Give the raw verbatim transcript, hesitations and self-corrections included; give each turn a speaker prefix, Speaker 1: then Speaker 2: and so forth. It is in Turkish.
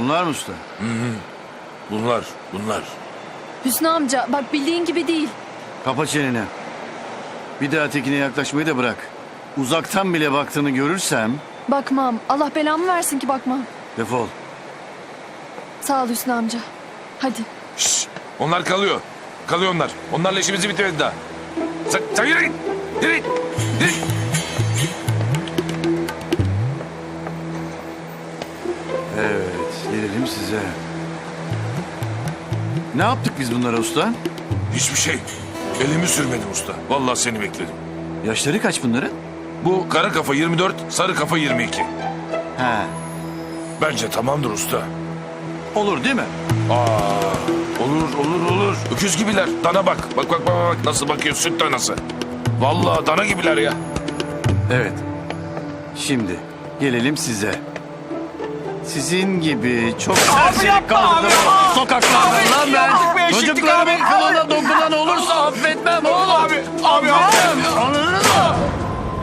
Speaker 1: Bunlar mı usta?
Speaker 2: Bunlar, bunlar.
Speaker 3: Hüsnü amca bak bildiğin gibi değil.
Speaker 1: Kapa çeneni. Bir daha tekine yaklaşmayı da bırak. Uzaktan bile baktığını görürsem
Speaker 3: Bakmam. Allah belamı versin ki bakmam.
Speaker 1: defol.
Speaker 3: Sağ ol Hüsnü amca. Hadi.
Speaker 2: Şşş, onlar kalıyor. Kalıyor onlar. Onlarla işimizi bitirmedi daha. Sen, sen yürü git. Yürü git. Yürü git.
Speaker 1: Evet, gelelim size. Ne yaptık biz bunlara usta?
Speaker 2: Hiçbir şey. Elimi sürmedim usta. Vallahi seni bekledim.
Speaker 1: Yaşları kaç bunların?
Speaker 2: Bu kara kafa yirmi dört, sarı kafa yirmi iki.
Speaker 1: He,
Speaker 2: Bence tamamdır usta.
Speaker 1: olur değil mi?
Speaker 2: Aa, olur olur olur. Öküz gibiler. Dana bak. Bak bak bak bak. Nasıl bakıyor süt danası. Vallahi dana gibiler ya.
Speaker 1: Evet. Şimdi gelelim size. Sizin gibi çok serseri kaldırdım sokaklarda lan ben. Çocuklarımın kılına